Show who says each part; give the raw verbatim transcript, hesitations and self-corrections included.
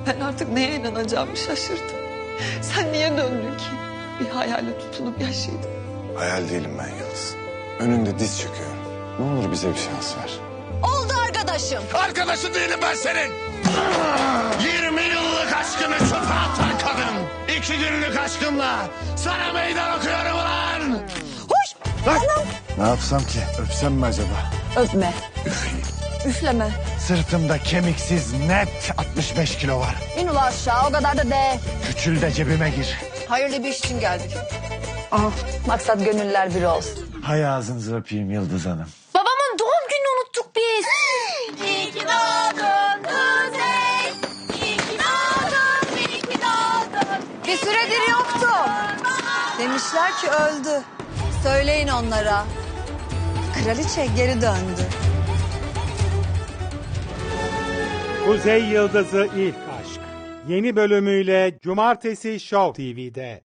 Speaker 1: Ben artık neye inanacağımı şaşırdım. Sen niye döndün ki? Bir hayale tutulup yaşaydın.
Speaker 2: Hayal değilim ben Yıldız. Önünde diz çöküyorum. Ne olur bize bir şans ver.
Speaker 1: Oldu arkadaşım.
Speaker 2: Arkadaşın değilim ben senin. yirmi yıllık aşkını çöpe atan kadın. İki günlük aşkımla sana meydan okuyorum ulan.
Speaker 1: Hoş. Anam.
Speaker 2: Ne yapsam ki? Öpsem mi acaba?
Speaker 1: Öpme.
Speaker 2: Üfleyeyim.
Speaker 1: Üfleme.
Speaker 2: Sırtımda kemiksiz net altmış beş kilo var.
Speaker 1: İn ula aşağı o kadar da de.
Speaker 2: Küçül de cebime gir.
Speaker 1: Hayırlı bir iş için geldik. Ah, maksat gönüller bir olsun.
Speaker 2: Hay ağzınızı öpeyim Yıldız Hanım.
Speaker 1: Babamın doğum gününü unuttuk biz.
Speaker 3: İyi ki doğdun Kuzey. İyi ki doğdun, iyi ki doğdun.
Speaker 1: Bir süredir yoktu. Demişler ki öldü. Söyleyin onlara. Kraliçe geri döndü.
Speaker 4: Kuzey Yıldızı İlk Aşk. Yeni bölümüyle Cumartesi Show T V'de.